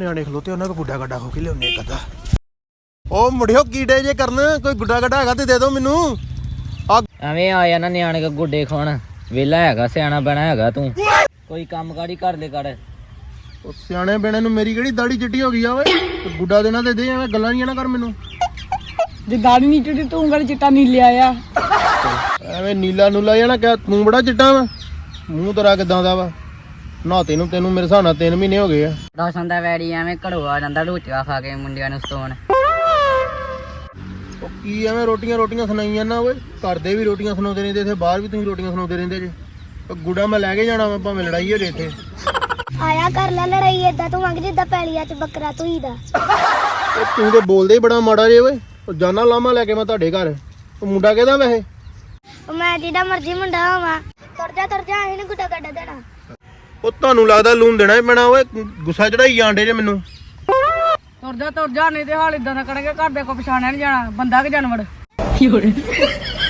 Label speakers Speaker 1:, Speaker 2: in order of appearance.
Speaker 1: ਨਿਆਣੇ ਖਲੋਤੇ ਉਹਨਾਂ ਕੋ ਗੁੱਡਾ ਗੱਡਾ ਹੋ ਕੇ ਲਿਆਉਣੇ ਇੱਕ ਅੱਧਾ। ਉਹ ਮੁੜਿਓ ਕੀੜੇ ਜੇ ਕਰਨ, ਕੋਈ ਗੁੱਡਾ ਗੱਡਾ ਹੈਗਾ ਤੇ ਦੇ ਦਿਓ ਮੈਨੂੰ।
Speaker 2: ਐਵੇਂ ਆ ਜਾਣਾ ਨਿਆਣੇ ਕੋ ਗੁੱਡੇ ਖਾਣ, ਵੇਲਾ ਹੈਗਾ ਸਿਆਣਾ ਬਣਾ ਹੈਗਾ ਤੂੰ, ਕੋਈ ਕੰਮ ਕਾੜੀ ਕਰ ਲੈ ਕਰ।
Speaker 1: ਉਹ ਸਿਆਣੇ ਬਣੇ ਨੂੰ ਮੇਰੀ ਕਿਹੜੀ ਦਾੜੀ ਚਿੱਟੀ ਹੋ ਗਈ ਆ ਓਏ, ਗੁੱਡਾ ਦੇਣਾ ਤੇ ਦੇ, ਐਵੇਂ ਗੱਲਾਂ ਨਹੀਂ ਨਾ ਕਰ ਮੈਨੂੰ।
Speaker 3: ਜੇ ਦਾੜੀ ਨਹੀਂ ਚਿੱਟੀ ਤੂੰ ਕਰ ਚਿੱਟਾ ਨੀ ਲਿਆ ਆ,
Speaker 1: ਐਵੇਂ ਨੀਲਾ ਨੂਲਾ ਜਾਣਾ ਕਿਆ ਤੂੰ ਬੜਾ ਚਿੱਟਾ ਵਾ, ਮੂੰਹ ਤੇਰਾ ਕਿਦਾਂ ਦਾ ਵਾ। ਨਹਾਤੇ ਨੂੰ ਤੈਨੂੰ ਮੇਰੇ ਹਿਸਾਬ ਨਾਲ 3 ਮਹੀਨੇ ਹੋ ਗਏ ਆ।
Speaker 2: ਰੋਸ਼ਨ ਦਾ ਵੈਰੀ ਐਵੇਂ ਘੜੋ ਆ ਜਾਂਦਾ ਰੋਟੀਆਂ ਖਾ ਕੇ ਮੁੰਡਿਆਂ ਨੂੰ ਸਤਾਉਣ।
Speaker 1: ਉਹ ਕੀ ਐਵੇਂ ਰੋਟੀਆਂ ਸੁਣਾਈ ਜਾਂਦਾ ਓਏ, ਘਰ ਦੇ ਵੀ ਰੋਟੀਆਂ ਸੁਣਾਉਂਦੇ ਰਹਿੰਦੇ, ਇੱਥੇ ਬਾਹਰ ਵੀ ਤੁਸੀਂ ਰੋਟੀਆਂ ਸੁਣਾਉਂਦੇ ਰਹਿੰਦੇ ਜੇ। ਉਹ ਗੁੱਡਾ ਮੈਂ ਲੈ ਕੇ ਜਾਣਾ ਵਾ, ਭਾਵੇਂ ਲੜਾਈ ਹੋ ਜੇ ਇੱਥੇ।
Speaker 4: ਆਇਆ ਕਰ ਲੈ ਲੜਾਈ, ਏਦਾਂ ਤੂੰ ਮੰਗ ਜਿੱਦਾਂ ਪੈਲੀਆਂ 'ਚ ਬੱਕਰਾ ਧੂਈਦਾ।
Speaker 1: ਉਹ ਤੂੰ ਤੇ ਬੋਲਦੇ ਹੀ ਬੜਾ ਮਾੜਾ ਜੇ ਓਏ। ਉਹ ਜਾਨਾ ਲਾਮਾ ਲੈ ਕੇ ਮੈਂ ਤੁਹਾਡੇ ਘਰ। ਉਹ ਮੁੰਡਾ ਕਿਹਦਾ ਵੈਸੇ?
Speaker 4: ਉਹ ਮੈਂ ਜਿਹਦਾ ਮਰਜ਼ੀ ਮੁੰਡਾ ਹੋਵਾਂ, ਤੁਰ ਜਾ ਇਹਨੂੰ ਗੁੱਡਾ ਗੱਡਾ ਦੇਣਾ।
Speaker 1: ਉਹ ਤੁਹਾਨੂੰ ਲੱਗਦਾ ਲੂਣ ਦੇਣਾ ਹੀ ਪੈਣਾ ਓਏ, ਗੁੱਸਾ ਚੜਾਈ ਜਾਂਦੇ ਜੇ ਮੈਨੂੰ।
Speaker 3: ਤੁਰ ਜਾ ਨਹੀਂ ਤੇ ਹਾਲ ਇਦਾਂ ਦਾ ਕਰਾਂਗੇ ਘਰ ਦੇ ਕੋ ਪਛਾਣਿਆ ਨੀ ਜਾਣਾ, ਬੰਦਾ ਕਿ ਜਾਨਵਰ।